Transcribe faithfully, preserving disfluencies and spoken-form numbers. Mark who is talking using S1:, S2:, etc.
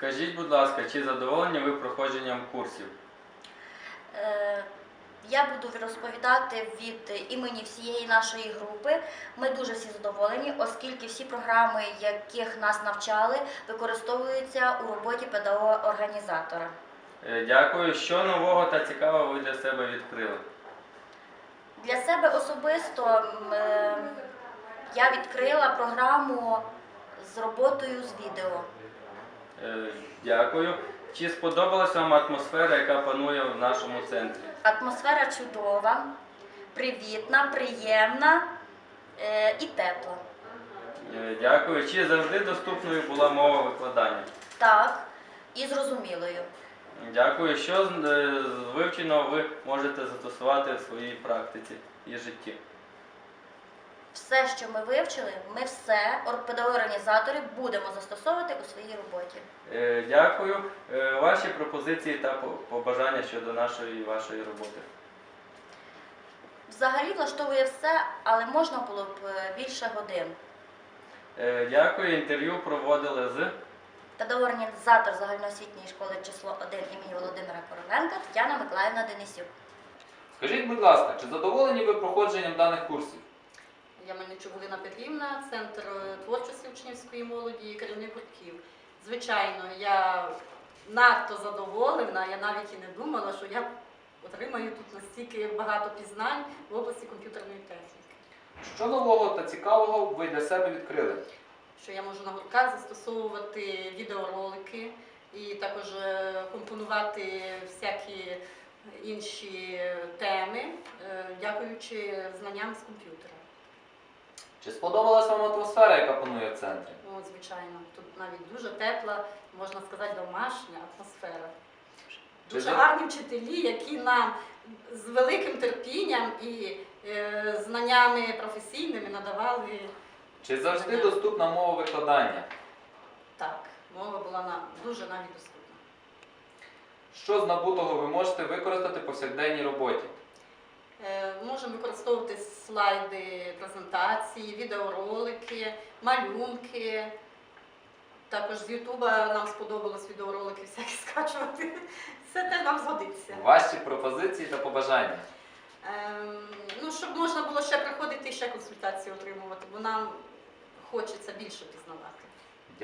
S1: Скажіть, будь ласка, чи задоволені ви проходженням курсів?
S2: Е, Я буду розповідати від імені всієї нашої групи. Ми дуже всі задоволені, оскільки всі програми, яких нас навчали, використовуються у роботі педагога-організатора.
S1: Е, Дякую. Що нового та цікавого ви для себе відкрили?
S2: Для себе особисто м, е, я відкрила програму з роботою з відео.
S1: Е, Дякую. Чи сподобалась вам атмосфера, яка панує в нашому центрі?
S2: Атмосфера чудова, привітна, приємна е, і тепла.
S1: Е, Дякую. Чи завжди доступною була мова викладання?
S2: Так, і зрозумілою.
S1: Дякую. Що з е, з вивченого ви можете застосувати в своїй практиці і житті?
S2: Все, що ми вивчили, ми все, педагоги-організатори, будемо застосовувати у своїй роботі.
S1: Е, Дякую. Е, Ваші пропозиції та по- побажання щодо нашої і вашої роботи?
S2: Взагалі влаштовує все, але можна було б е, більше годин.
S1: Е, Дякую. Інтерв'ю проводили з...
S2: Педагог-організатор загальноосвітньої школи число один імені Володимира Короленка Тетяна Миколаївна Денисюк.
S3: Скажіть, будь ласка, чи задоволені ви проходженням даних курсів?
S4: Я Мельничук Галина Петрівна, Центр творчості учнівської молоді і керівник гуртків. Звичайно, я надто задоволена, я навіть і не думала, що я отримаю тут настільки багато пізнань в області комп'ютерної техніки.
S3: Що нового та цікавого ви для себе відкрили?
S4: Що я можу на гуртках застосовувати відеоролики і також е, компонувати всякі інші теми, е, дякуючи знанням з комп'ютера.
S3: Чи сподобалась вам атмосфера, яка панує в центрі?
S4: Ну, звичайно, тут навіть дуже тепла, можна сказати, домашня атмосфера. Дуже
S3: Ви-
S4: гарні вчителі, які нам з великим терпінням і е, знаннями професійними надавали.
S3: Чи завжди доступна мова викладання?
S4: Так, мова була нам дуже навіть доступна.
S3: Що з набутого ви можете використати в повсякденній роботі?
S4: Е, можемо використовувати слайди презентації, відеоролики, малюнки. Також з Ютуба нам сподобалось відеоролики всякі скачувати. Все те нам згодиться.
S3: Ваші пропозиції та побажання?
S4: Ем, ну, щоб можна було ще приходити і ще консультації отримувати, бо нам хочеться більше пізнавати.